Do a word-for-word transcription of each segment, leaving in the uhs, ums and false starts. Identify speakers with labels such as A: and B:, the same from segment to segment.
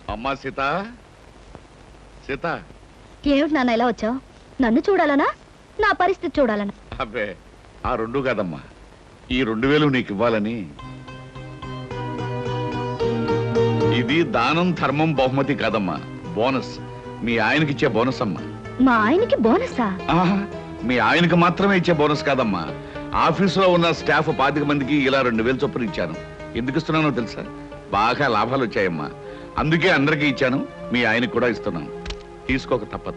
A: అమ్మా సీత, సీత.
B: ఏమిటి నాన్న ఎలా వచ్చావు? నన్ను చూడాలనా నా పరిస్థితి చూడాలనా?
A: అబ్బే ఆ రెండు కాదమ్మా, ఈ రెండు వేలు నీకు ఇవ్వాలని. ఇది దానం ధర్మం బహుమతి కాదమ్మా, బోనస్. మీ ఆయనకి ఇచ్చే బోనస్ అమ్మా.
B: మా ఆయనకి బోనసా?
A: మీ ఆయనకి మాత్రమే ఇచ్చే బోనస్ కాదమ్మా, ఆఫీసులో ఉన్న స్టాఫ్ పాతిక మందికి ఇలా రెండు వేలు చొప్పున ఇచ్చాను. ఎందుకు ఇస్తున్నానో తెలుసా? బాగా లాభాలు వచ్చాయమ్మా, అందుకే అందరికీ ఇచ్చాను. మీ ఆయనకి కూడా ఇస్తున్నాను, తీసుకోక తప్పదు.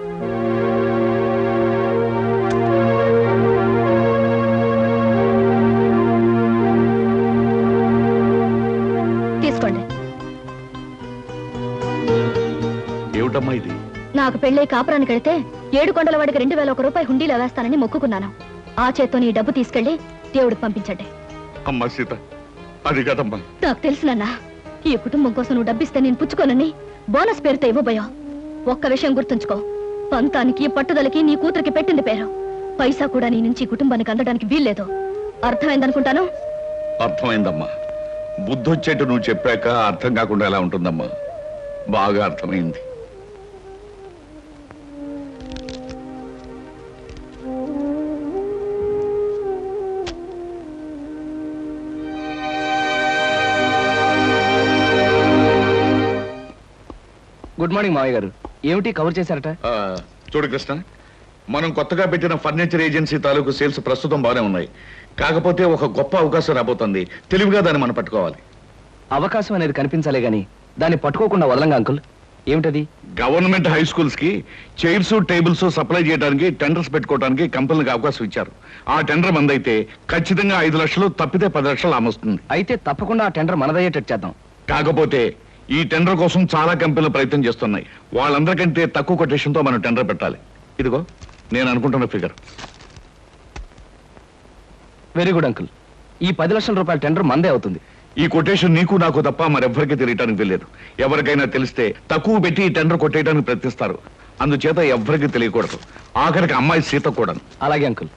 B: తీసుకోండి.
A: ఏమిటమ్మా ఇది?
B: నాకు పెళ్ళై కాపురానికి వెళితే ఏడు కొండల వాడికి రెండు వేల ఒక రూపాయి హుండీలో వేస్తానని మొక్కుకున్నాను. ఆ చేత్తో నీ డబ్బు తీసుకెళ్లి దేవుడికి పంపించండి.
A: అమ్మా సీత, అది కాదమ్మా.
B: నాకు తెలుసునన్నా, ఈ కుటుంబం కోసం నువ్వు డబ్బిస్తే నేను పుచ్చుకోనని బోనస్ పేరుతో ఇవ్వబోయా. ఒక్క విషయం గుర్తుంచుకో, పంతానికి పట్టుదలకి నీ కూతురికి పెట్టింది పేరు. పైసా కూడా నీ నుంచి కుటుంబానికి అందడానికి వీల్లేదు. అర్థమైందనుకుంటాను.
A: అర్థమైందమ్మా. బుద్ధొచ్చేట్టు నువ్వు చెప్పాక అర్థం కాకుండా ఎలా ఉంటుందమ్మా? బాగా అర్థమైంది.
C: గుడ్ మార్నింగ్ మావయ్య గారు. ఏమిటి కవర్ చేశారట?
A: చూడు కృష్ణ, మనం కొత్తగా పెట్టిన ఫర్నిచర్ ఏజెన్సీ తాలూకు సేల్స్ ప్రస్తుతం బాగానే ఉన్నాయి. కాకపోతే ఒక గొప్ప అవకాశం రాబోతుంది. తెలివిగా దాన్ని మనం పట్టుకోవాలి.
C: అవకాశం అనేది కనిపించాలే గాని దాన్ని పట్టుకోకుండా వదలంగా అంకుల్. ఏమిటది?
A: గవర్నమెంట్ హై స్కూల్స్ కి చైర్స్ టేబుల్స్ సప్లై చేయడానికి టెండర్స్ పెట్టుకోవడానికి కంపెనీలకు అవకాశం ఇచ్చారు. ఆ టెండర్ మందైతే ఖచ్చితంగా ఐదు లక్షలు, తప్పితే పది లక్షలు ఆమొస్తుంది.
C: అయితే తప్పకుండా ఆ టెండర్ మనదయ్యేటట్టు చేద్దాం.
A: కాకపోతే ఈ టెండర్ కోసం చాలా కంపెనీలు ప్రయత్నం చేస్తున్నాయి. వాళ్ళందరికంటే తక్కువ కొటేషన్ తో మనం టెండర్ పెట్టాలి. ఇదిగో నేను అనుకుంటున్న ఫిగర్.
C: Very good uncle. ఈ పది లక్షల రూపాయల టెండర్ మందే అవుతుంది.
A: ఈ కొటేషన్ నీకు నాకు తప్ప మరెవ్వరికి తెలియటానికి తెలియదు. ఎవరికైనా తెలిస్తే తక్కువ పెట్టి ఈ టెండర్ కొట్టేయడానికి ప్రయత్నిస్తారు. అందుచేత ఎవ్వరికి తెలియకూడదు, ఆఖరికి అమ్మాయి సీత కూడా.
C: అలాగే uncle.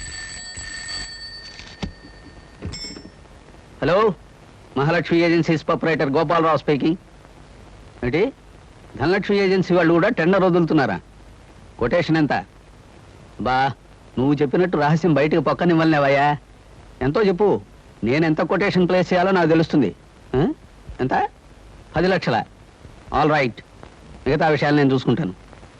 D: Hello, Mahalakshmi agencies proprietor Gopalarao speaking. ఏంటి, ధనలక్ష్మి ఏజెన్సీ వాళ్ళు కూడా టెండర్ వదులుతున్నారా? కొటేషన్ ఎంత? బా, నువ్వు చెప్పినట్టు రహస్యం బయటకు పక్కనివ్వలేవయ్యా. ఎంతో చెప్పు, నేను ఎంత కొటేషన్ ప్లేస్ చేయాలో నాకు తెలుస్తుంది. ఎంత? పది లక్షల. ఆల్ రైట్, మిగతా విషయాలు నేను చూసుకుంటాను.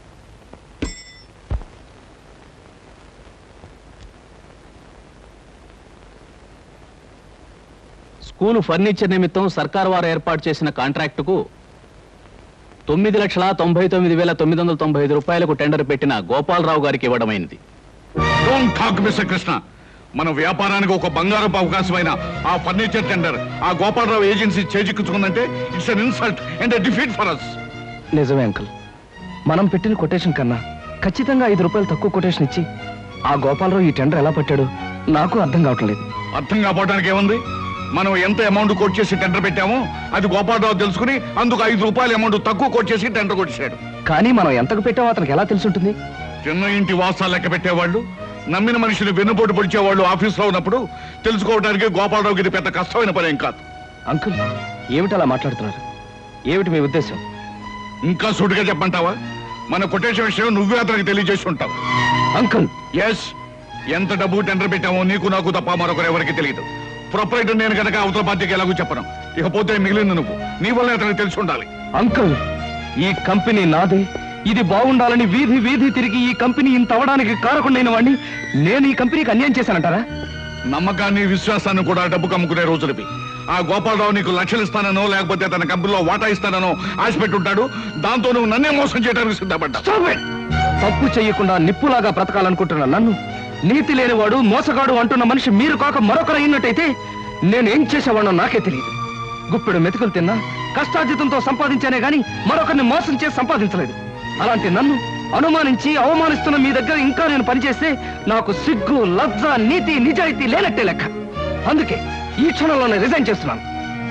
E: స్కూలు ఫర్నిచర్ నిమిత్తం సర్కార్ వారు ఏర్పాటు చేసిన కాంట్రాక్టుకు తొమ్మిది లక్షల తొంభై తొమ్మిది వేల తొమ్మిది వందల తొంభై ఐదు రూపాయలకు టెండర్ పెట్టిన గోపాలరావు గారికి ఇవ్వడమైంది.
A: Don't talk mister Krishna. మన వ్యాపారానికి ఒక బంగారపు అవకాశమైన ఆ ఫర్నిచర్ టెండర్ ఆ గోపాలరావు ఏజెన్సీ చేజిక్కించుకుందంటే it's an insult and a defeat for us.
C: నిజమే అంకుల్. మనం పెట్టిన కొటేషన్ కన్నా ఖచ్చితంగా ఐదు రూపాయలు తక్కువ కొటేషన్ ఇచ్చి ఆ గోపాలరావు ఈ టెండర్ ఎలా పట్టాడు నాకు అర్థం కావట్లేదు.
A: అర్థం కావడానికి ఏముంది? మనం ఎంత అమౌంట్ కోట్ చేసి టెండర్ పెట్టామో అది గోపాలరావు తెలుసుకుని అందుకు ఐదు రూపాయల అమౌంట్ తక్కువ కోట్ చేసి టెండర్ కొట్టేశాడు.
C: కానీ మనం ఎంతకు పెట్టామో అతనికి ఎలా తెలుసుంటుంది?
A: చిన్న ఇంటి వాసాలు లెక్క పెట్టేవాళ్ళు, నమ్మిన మనుషులు వెన్నుపోటు పొడిచేవాళ్ళు ఆఫీస్లో ఉన్నప్పుడు తెలుసుకోవడానికి గోపాలరావుకి ఇది పెద్ద కష్టమైన పని ఏం కాదు.
C: అంకుల్, ఏమిటి అలా మాట్లాడుతున్నారు? ఏమిటి మీ ఉద్దేశం?
A: ఇంకా సూటిగా చెప్పంటావా? మన కొటేషన్ విషయం నువ్వే అతనికి తెలియజేసి ఉంటావు.
C: అంకుల్,
A: ఎస్, ఎంత డబ్బు టెండర్ పెట్టామో నీకు నాకు తప్ప మరొకరు ఎవరికి తెలియదు. ప్రొపరేటర్ నేను కనుక అవతల పార్టీకి ఎలాగో చెప్పను. ఇకపోతే మిగిలింది నువ్వు, నీ వల్ల అతనికి తెలిసి ఉండాలి.
C: అంకుల్, ఈ కంపెనీ నాదే. ఇది బాగుండాలని వీధి వీధి తిరిగి ఈ కంపెనీ ఇంత అవడానికి కారకుండైన వాడిని నేను ఈ కంపెనీకి అన్యాయం చేశానంటారా?
A: నమ్మకాన్ని, విశ్వాసాన్ని కూడా డబ్బు కమ్ముకునే రోజులవి. ఆ గోపాలరావు నీకు లక్షలు ఇస్తానో లేకపోతే తన కంపెనీలో వాటా ఇస్తానో ఆశ పెట్టుంటాడు. దాంతో నువ్వు నన్నే మోసం చేయడానికి సిద్ధపడ్డా.
C: తప్పు చేయకుండా నిప్పులాగా బ్రతకాలనుకుంటున్నా నన్ను నీతి లేనివాడు, మోసగాడు అంటున్న మనిషి మీరు కాక మరొకరు అయినట్టయితే నేనేం చేసేవాడో నాకే తెలియదు. గుప్పెడు మెతుకులు తిన్నా కష్టార్జితంతో సంపాదించానే గాని మరొకరిని మోసం చేసి సంపాదించలేదు. అలాంటి నన్ను అనుమానించి అవమానిస్తున్న మీ దగ్గర ఇంకా నేను పనిచేస్తే నాకు సిగ్గు, లజ్జ, నీతి, నిజాయితీ లేనట్టే లెక్క. అందుకే ఈ క్షణంలోనే రిజైన్ చేస్తున్నాను.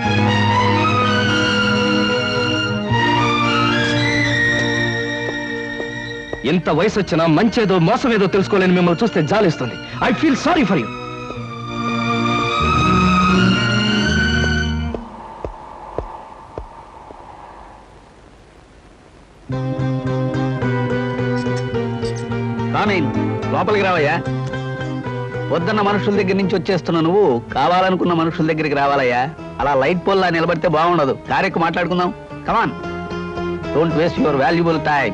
C: ఎంత వయసు వచ్చినా మంచేదో మోసమేదో తెలుసుకోలేని మిమ్మల్ని చూస్తే జాలిస్తుంది. I feel sorry for you.
D: రామేన్ లోపలికి రావయ్యా. వద్దన్న మనుషుల దగ్గర నుంచి వచ్చేస్తున్న నువ్వు కావాలనుకున్న మనుషుల దగ్గరికి రావాలయ్యా. అలా లైట్ పోల్లా నిలబడితే బాగుండదు. కారెక్కు మాట్లాడుకుందాం. Come on, don't waste your valuable time.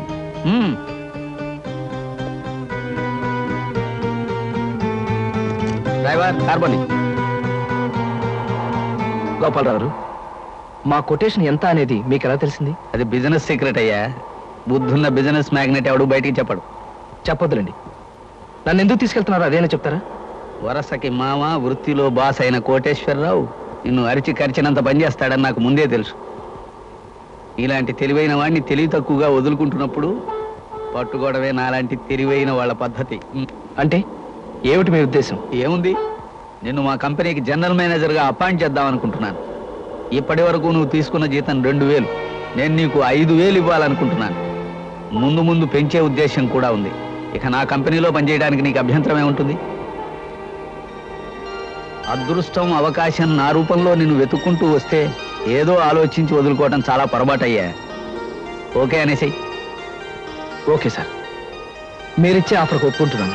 D: Driver కార్బోని.
C: గోపాలరావు గారు, మా కొటేషన్ ఎంత అనేది మీకు ఎలా తెలిసింది?
D: అది బిజినెస్ సీక్రెట్ అయ్యా. బుద్ధున్న బిజినెస్ మ్యాగ్నెట్ ఎవడు బయటికి చెప్పడు.
C: చెప్పొద్దులండి. నన్ను ఎందుకు తీసుకెళ్తున్నారో అదేనా చెప్తారా?
D: వరసకి మామ, వృత్తిలో బాస్ అయిన కోటేశ్వరరావు నిన్ను అరిచి కరిచినంత పనిచేస్తాడని నాకు ముందే తెలుసు. ఇలాంటి తెలివైన వాడిని తెలివి తక్కువగా వదులుకుంటున్నప్పుడు పట్టుకోవడమే నాలాంటి తెలివైన వాళ్ళ పద్ధతి.
C: అంటే ఏమిటి మీ ఉద్దేశం?
D: ఏముంది, నిన్ను మా కంపెనీకి జనరల్ మేనేజర్గా అపాయింట్ చేద్దాం అనుకుంటున్నాను. ఇప్పటి వరకు నువ్వు తీసుకున్న జీతం రెండు వేలు, నేను నీకు ఐదు వేలు ఇవ్వాలనుకుంటున్నాను. ముందు ముందు పెంచే ఉద్దేశం కూడా ఉంది. ఇక నా కంపెనీలో పనిచేయడానికి నీకు అభ్యంతరమే ఉంటుంది? అదృష్టం, అవకాశం నా రూపంలో నిన్ను వెతుక్కుంటూ వస్తే ఏదో ఆలోచించి వదులుకోవటం చాలా పొరపాటయ్యా. ఓకే అనేసి.
C: ఓకే సార్, మీరిచ్చే ఆఫర్ ఒప్పుకుంటున్నాను.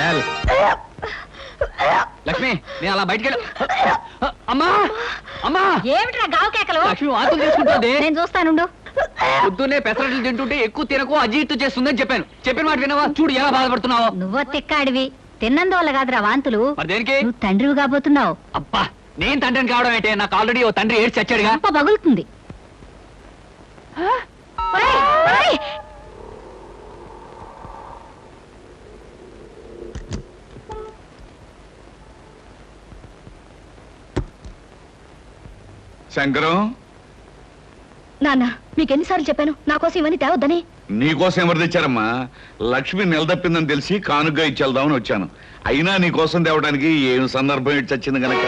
D: లక్ష్మి, నేను అలా బయటికి అమ్మా అమ్మా
B: ఏమిట్రా గావు కేకలు?
D: లక్ష్మి వాంతులు చేసుకుంటుంది.
B: నేను చూస్తానుండు.
D: పొద్దున్నే పెసరట్లు తింటుంటే ఎక్కువ తినకు, అజీర్తి చేస్తుందని చెప్పాను. చెప్పిన మాట వినవా? చూడు ఎలా బాధపడుతున్నావు.
B: నువ్వో తిక్కాడివి, తిన్నందువల్ల కాదురా వాంతులు.
D: మరి దేనికి?
B: నువ్వు తండ్రివి కాబోతున్నావు.
D: అబ్బా, నేను తండ్రిని కావడం ఏంటే? నాకు ఆల్రెడీ ఓ తండ్రి ఏడ్చి చచ్చాడుగా.
B: గంప పగులుతుంది. ఒరేయ్, ఒరేయ్!
A: శంకరం,
B: నాన్న, మీకెన్నిసార్లు చెప్పాను నా కోసం ఇవన్నీ తేవద్దని?
A: నీకోసం ఎవరు తెచ్చారమ్మా? లక్ష్మి నిలదప్పిందని తెలిసి కానుగ్గా ఇచ్చేద్దామని వచ్చాను. అయినా నీకోసం తేవడానికి ఏం సందర్భం ఇటు చచ్చింది గనక.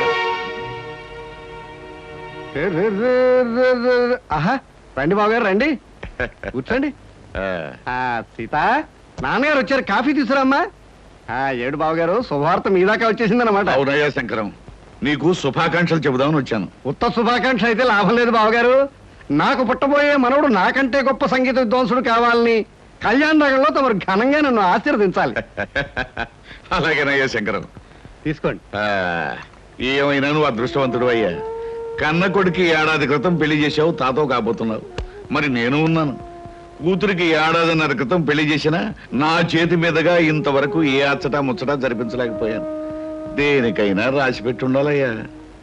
F: ఆహా, రండి బావగారు, రండి కూర్చోండి. ఆ, సీత, నాన్నగారు వచ్చారు, కాఫీ తీసుకురామ్మా. ఆ, ఏడు బావగారు, శుభవార్త మీ దాకా వచ్చేసిందన్నమాట.
A: అవునయ్యా శంకరం, నీకు శుభాకాంక్షలు చెబుదామని వచ్చాను.
F: ఉత్త శుభాకాంక్ష అయితే లాభం లేదు బావగారు. నాకు పుట్టబోయే మనవడు నాకంటే గొప్ప సంగీత విద్వాంసుడు కావాలని కళ్యాణ నగర్లో తమరు ఘనంగా నన్ను ఆశీర్వదించాలి.
A: అలాగేనయ్యా శంకరం,
F: తీసుకోండి.
A: ఆ, ఏమైనా నువ్వు అదృష్టవంతుడు అయ్యా. కన్న కొడుకి ఏడాది క్రితం పెళ్లి చేసావు, తాతో కాబోతున్నావు. మరి నేను ఉన్నాను. కూతురికి ఏడాదిన్నర క్రితం పెళ్లి చేసినా నా చేతి మీదుగా ఇంతవరకు ఏ అచ్చటా ముచ్చటా జరిపించలేకపోయాను. దేనికైనా రాసి పెట్టి ఉండాలయ్యా.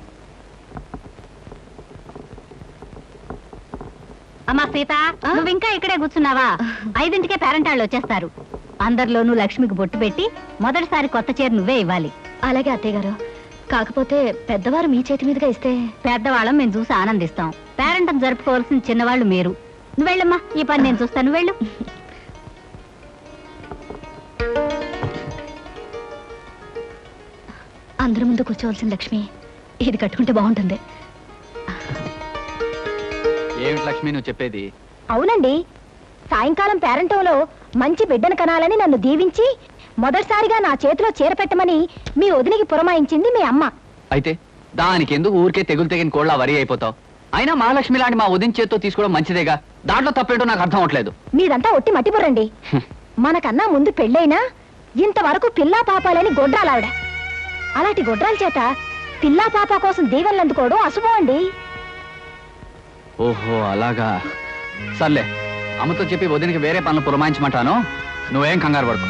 B: అమ్మా సీత, నువ్వు ఇంకా ఇక్కడే కూర్చున్నావా? ఐదింటికే పేరెంట్ వాళ్ళు వచ్చేస్తారు. అందరిలోనూ లక్ష్మికి బొట్టు పెట్టి మొదటిసారి కొత్త చీర నువ్వే ఇవ్వాలి. అలాగే అత్తయ్య గారు. కాకపోతే పెద్దవారు మీ చేతి మీదుగా ఇస్తే పెద్దవాళ్ళం మేము చూసి ఆనందిస్తాం. పేరెంట్ జరుపుకోవాల్సిన చిన్నవాళ్ళు మీరు. నువ్వు వెళ్ళమ్మా, ఈ పని నేను చూస్తాను. వెళ్ళు. అందరి ముందు కూర్చోవలసిన లక్ష్మి ఇది కట్టుకుంటే బాగుంటుంది.
D: ఏమిటి లక్ష్మి నువ్వు చెప్పేది?
B: అవునండి, సాయంకాలం పేరంటంలో మంచి బిడ్డను కనాలని నన్ను దీవించి మొదటిసారిగా నా చేతిలో చీర పెట్టమని మీ వదినికి పురమాయించింది మీ అమ్మ.
D: అయితే దానికి ఎందుకు ఊరికే తెగులు తెగిన కోళ్ళ వరి అయిపోతావు? అయినా మహాలక్ష్మి లాంటి మా ఉదయం చేత్తో తీసుకోవడం మంచిదేగా. దాంట్లో తప్పేటో నాకు అర్థం అవట్లేదు.
B: మీదంతా ఒట్టి మట్టిపురండి. మనకన్నా ముందు పెళ్ళైనా ఇంతవరకు పిల్లా పాపాలని గొడ్రాలావిడ. అలాంటి గొడ్రాల చేత పిల్లా పాప కోసం దీవెనలు అందుకోవడం అశుభం అండి.
D: ఓహో అలాగా. సర్లే, అమ్మతో చెప్పి వదినికి వేరే పనులు పురమాయించమంటాను. నువ్వేం కంగారు పడుకో.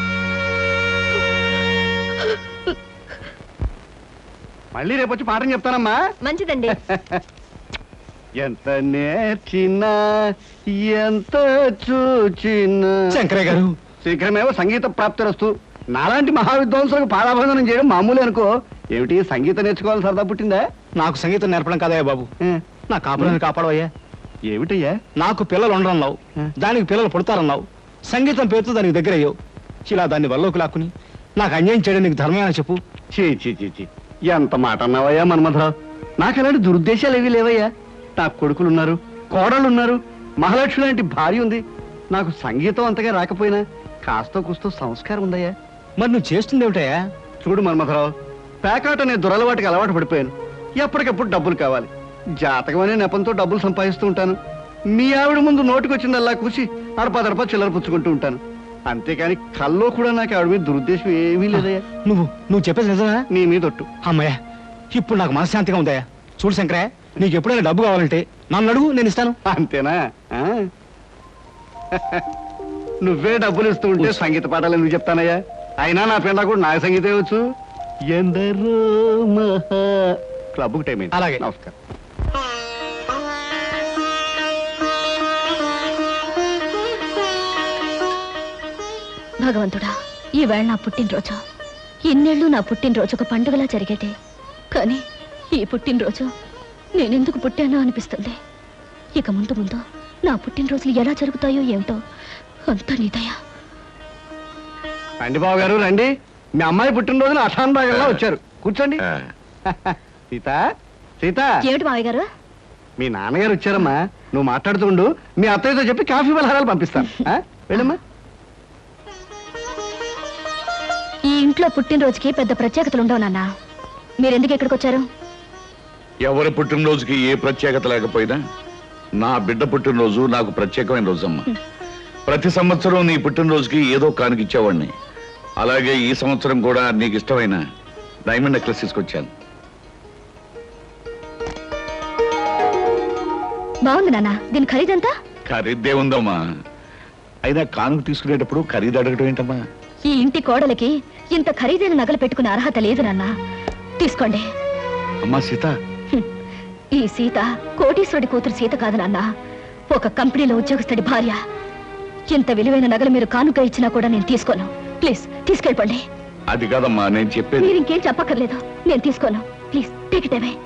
F: మళ్ళీ రేపు వచ్చి పాఠం చెప్తానమ్మా.
B: మంచిదండి.
F: ఎంత నేర్చినా ఎంత చూచినా.
C: శంకరయ్య గారు,
F: శీఘ్రమేవో సంగీత ప్రాప్తిరస్తు. నాలాంటి మహావిద్వాంసులకు పాదాభందనం చేయడం మామూలు అనుకో. ఏమిటి, సంగీతం నేర్చుకోవాలి సరదా పుట్టిందా?
C: నాకు సంగీతం నేర్పడం కదయ్యా బాబు,
F: ఏ,
C: నా కాపురాన్ని కాపాడవయ్యా.
F: ఏమిటయ్యా?
C: నాకు పిల్లలు ఉండరన్నావు, దానికి పిల్లలు పుడతారన్నావు, సంగీతం పేరుతో దానికి దగ్గర అయ్యావు. ఇలా దాన్ని వల్లోకి లాక్కుని నాకు అన్యాయం చేయడం నీకు ధర్మేనా చెప్పు?
F: చీ చీ చీ చీ, ఎంత మాట అన్నావయ్యా మన్మథరావు. నాకు ఎలాంటి దురుద్దేశాలు ఏవీ లేవయ్యా. నాకు కొడుకులున్నారు, కోడళ్ళున్నారు, మహాలక్ష్మి లాంటి భార్య ఉంది. నాకు సంగీతం అంతగా రాకపోయినా కాస్తో కూస్తో సంస్కారం ఉందయ్యా.
C: మరి నువ్వు చేస్తుంది ఏమిటయ్యా?
F: చూడు మన్మథరావు, పేకాట అనే దురలవాటికి అలవాటు పడిపోయాను. ఎప్పటికప్పుడు డబ్బులు కావాలి. జాతకం అనే నెపంతో డబ్బులు సంపాదిస్తూ ఉంటాను. మీ ఆవిడ ముందు నోటికొచ్చిందల్లా కూసి అరపదరప చిల్లర పుచ్చుకుంటూ ఉంటాను. అంతేకాని కల్లో కూడా నాకు ఆవిడ మీద దురుద్దేశం ఏమీ లేదయ్యా.
G: నువ్వు నువ్వు చెప్పేది నిజమా?
F: నీ మీద ఒట్టు.
G: అమ్మయ్య, ఇప్పుడు నాకు మనశ్శాంతిగా ఉందయ్యా. చూడు శంకరయ్య, నీకు ఎప్పుడైనా డబ్బు కావాలంటే నన్ను అడుగు, నేను ఇస్తాను.
F: అంతేనా? ఆ? నువ్వే డబ్బులు ఇస్తూ ఉంటే సంగీత పాఠాలు ఎందుకు చెప్తానయ్యా? అయినా నా పిల్ల కూడా నాకు సంగీతం వచ్చు. ఎందరో మహా క్లబ్కు టైం అయింది.
G: అలాగే.
F: నమస్కారం.
B: భగవంతుడా, ఈవేళ నా పుట్టినరోజు. ఇన్నేళ్ళు నా పుట్టినరోజు ఒక పండుగలా జరిగేది. కానీ ఈ పుట్టినరోజు నేనెందుకు పుట్టానో అనిపిస్తుంది. ఇక ముందు ముందు నా పుట్టినరోజులు ఎలా జరుగుతాయో ఏమిటో, అంతా నీదయ్యా.
F: రండి బాబు గారు, రండి. మీ అమ్మాయి పుట్టినరోజున అఠాన్ బాగా వచ్చారు. కూర్చోండి.
A: ఆ,
F: సీత, సీత,
B: ఏమిటి మావయ్య గారు?
F: మీ నాన్నగారు వచ్చారమ్మా. నువ్వు మాట్లాడుతుండు, మీ అత్తయ్యతో చెప్పి కాఫీ పలహారాలు పంపిస్తాను. ఆ? వెళ్ళమ్మా.
B: ఈ ఇంట్లో పుట్టినరోజుకి పెద్ద ప్రత్యేకతలు ఉండవు నాన్న. మీరెందుకు ఇక్కడికి వచ్చారు?
A: ఎవరి పుట్టినరోజుకి ఏ ప్రత్యేకత లేకపోయినా నా బిడ్డ పుట్టినరోజు నాకు ప్రత్యేకమైన రోజమ్మా. ప్రతి సంవత్సరం నీ పుట్టినరోజుకి ఏదో కానుకిచ్చేవాడిని. అలాగే ఈ సంవత్సరం కూడా నీకు ఇష్టమైన డైమండ్ నెక్లెస్ తీసుకొచ్చాను.
B: బాగుంది నాన్న. దీని ఖరీదంతా?
A: ఖరీదే ఉందమ్మా. అయినా కానుక తీసుకునేటప్పుడు ఖరీదు అడగటం ఏంటమ్మా?
B: ఈ ఇంటి కోడలికి ఇంత ఖరీదైన నగలు పెట్టుకునే అర్హత లేదు నాన్న. తీసుకోండి.
A: అమ్మా సీత,
B: హ్మ్. ఈ సీత కోటీశ్వరుడి కూతురు సీత కాదు నాన్న, ఒక కంపెనీలో ఉద్యోగస్తుడి భార్య. ఇంత విలువైన నగలు మీరు కానుక ఇచ్చినా కూడా నేను తీసుకోను. ప్లీజ్ తీసుకెళ్ళిపోండి.
A: అది కాదమ్మా నేను చెప్పేది.
B: మీరు ఇంకేం చెప్పక్కర్లేదు, నేను తీసుకోను. Please take it away.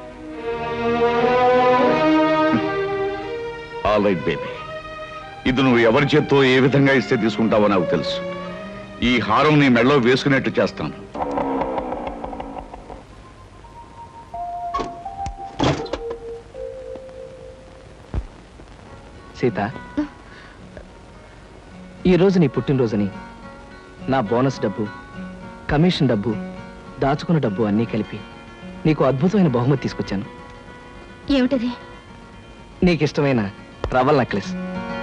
A: All right baby, ఇది నువ్వు ఎవరి చేత్తో ఏ విధంగా ఇస్తే తీసుకుంటావో నాకు తెలుసు. ఈ హారం నీ మెడలో వేసుకునేట్టు చేస్తాను.
C: సీత, ఈరోజు నీ పుట్టినరోజుని నా బోనస్ డబ్బు, కమిషన్ డబ్బు, దాచుకున్న డబ్బు అన్నీ కలిపి నీకు అద్భుతమైన బహుమతి తీసుకొచ్చాను.
B: ఏమిటది?
C: నీకు ఇష్టమైన రవల్ నెక్లెస్.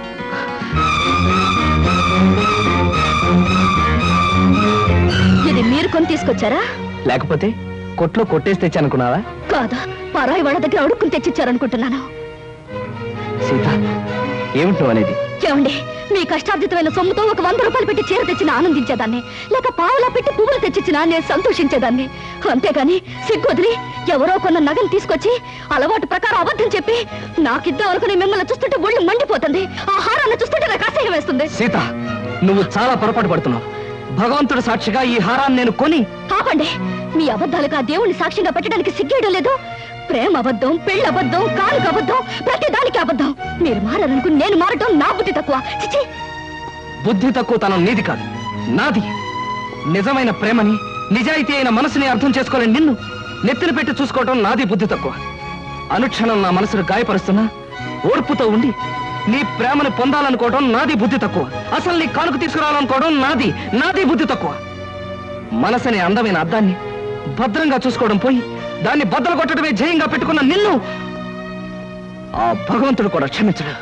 B: ఇది మీరు కొని తీసుకొచ్చారా?
C: లేకపోతే కొట్లో కొట్టేసి తెచ్చానుకున్నావా?
B: కాదా, పరాయి వాళ్ళ దగ్గర అడుక్కుని తెచ్చిచ్చారనుకుంటున్నాను.
C: సీత, ఏమిటి నువ్వు అనేది?
B: ఏమండి, మీ కష్టార్జితమైన సొమ్ముతో ఒక వంద రూపాయలు పెట్టి చీర తెచ్చిన ఆనందించేదాన్ని, లేక పావులా పెట్టి పువ్వులు తెచ్చిచ్చినా నేను సంతోషించేదాన్ని. అంతేగాని సిగ్గొదిలి ఎవరో కొన్న నగలు తీసుకొచ్చి అలవాటు ప్రకారం అబద్ధం చెప్పి నాకిద్దాం అనుకుని మిమ్మల్ని చూస్తుంటే ఒళ్ళు మండిపోతుంది. ఆ హారాన్ని చూస్తుంటే నాకు అసహ్యం వేస్తుంది.
C: సీత, నువ్వు చాలా పొరపాటు పడుతున్నావు. భగవంతుడు సాక్షిగా ఈ హారాన్ని నేను కొని...
B: ఆపండి. మీ అబద్ధాలుగా దేవుణ్ణి సాక్షిగా పెట్టడానికి సిగ్గేయడం లేదు. ప్రేమ అబద్ధం, పెళ్ళి అబద్ధం, కాలుక అబద్ధం, ప్రతి దానికి అబద్ధం. మీరు మారాలనుకుని నేను మారటం నా బుద్ధి తక్కువ. చిచి,
C: బుద్ధి తక్కువ తనం నీది కాదు, నాది. నిజమైన ప్రేమని, నిజాయితీ అయిన మనసుని అర్థం చేసుకోలేని నిన్ను నెత్తిన పెట్టి చూసుకోవటం నాది బుద్ధి తక్కువ. అనుక్షణం నా మనసును గాయపరుస్తున్నా ఓర్పుతో ఉండి నీ ప్రేమను పొందాలనుకోవడం నాది బుద్ధి తక్కువ. అసలు నీ కానుక తీసుకురావాలనుకోవడం నాది నాది బుద్ధి తక్కువ. మనసనే అందమైన అద్దాన్ని భద్రంగా చూసుకోవడం పోయి దాన్ని బద్దలు కొట్టడమే జయంగా పెట్టుకున్న నిన్ను ఆ భగవంతుడు కూడా క్షమించడు.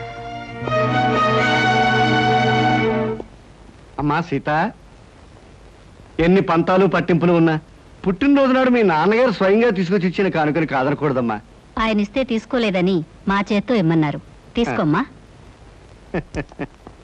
F: అమ్మా సీత, ఎన్ని పంతాలు పట్టింపులు ఉన్నా పుట్టినరోజు నాడు మీ నాన్నగారు స్వయంగా తీసుకొచ్చి ఇచ్చిన కానుకని కాదనకూడదమ్మా.
H: ఆయన ఇస్తే తీసుకోలేదని మా చేత్తో ఇమ్మన్నారు. తీసుకోమ్మా.